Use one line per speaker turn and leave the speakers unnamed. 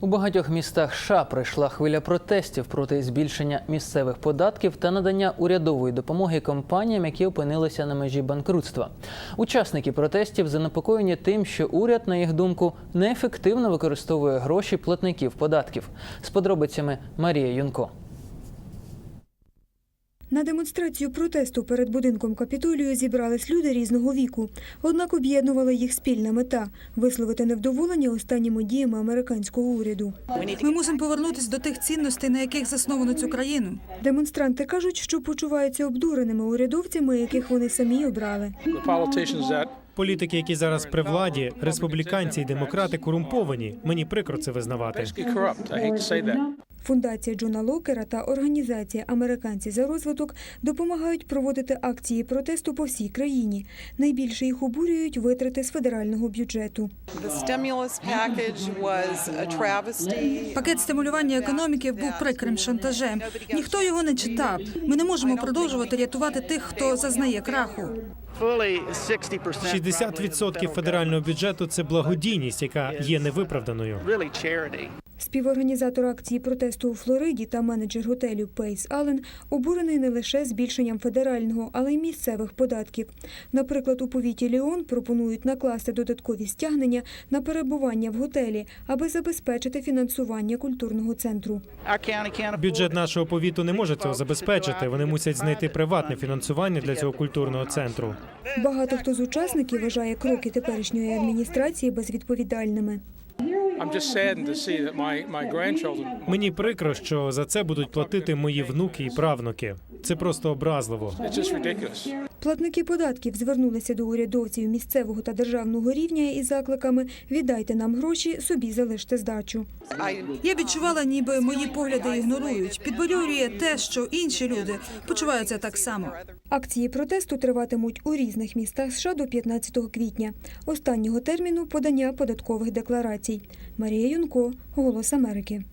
У багатьох містах США прийшла хвиля протестів проти збільшення місцевих податків та надання урядової допомоги компаніям, які опинилися на межі банкрутства. Учасники протестів занепокоєні тим, що уряд, на їх думку, неефективно використовує гроші платників податків. З подробицями Марія Юнко.
На демонстрацію протесту перед будинком Капітолію зібрались люди різного віку. Однак об'єднувала їх спільна мета – висловити невдоволення останніми діями американського уряду.
Ми мусимо повернутися до тих цінностей, на яких засновано цю країну.
Демонстранти кажуть, що почуваються обдуреними урядовцями, яких вони самі обрали.
Політики, які зараз при владі, республіканці і демократи корумповані. Мені прикро це визнавати.
Фундація Джона Локера та організація «Американці за розвиток» допомагають проводити акції протесту по всій країні. Найбільше їх обурюють витрати з федерального бюджету.
Пакет стимулювання економіки був прикрим шантажем. Ніхто його не читав. Ми не можемо продовжувати рятувати тих, хто зазнає краху.
60% федерального бюджету – це благодійність, яка є невиправданою.
Співорганізатор акції протесту у Флориді та менеджер готелю Пейс Аллен обурений не лише збільшенням федерального, але й місцевих податків. Наприклад, у повіті Ліон пропонують накласти додаткові стягнення на перебування в готелі, аби забезпечити фінансування культурного центру.
Бюджет нашого повіту не може цього забезпечити. Вони мусять знайти приватне фінансування для цього культурного центру.
Багато хто з учасників вважає кроки теперішньої адміністрації безвідповідальними.
Мені прикро, що за це будуть платити мої внуки і правнуки. Це просто образливо.
Платники податків звернулися до урядовців місцевого та державного рівня із закликами «Віддайте нам гроші, собі залиште здачу».
Я відчувала, ніби мої погляди ігнорують. Підбадьорює те, що інші люди почуваються так само.
Акції протесту триватимуть у різних містах США до 15 квітня, останнього терміну подання податкових декларацій. Марія Юнко, «Голос Америки».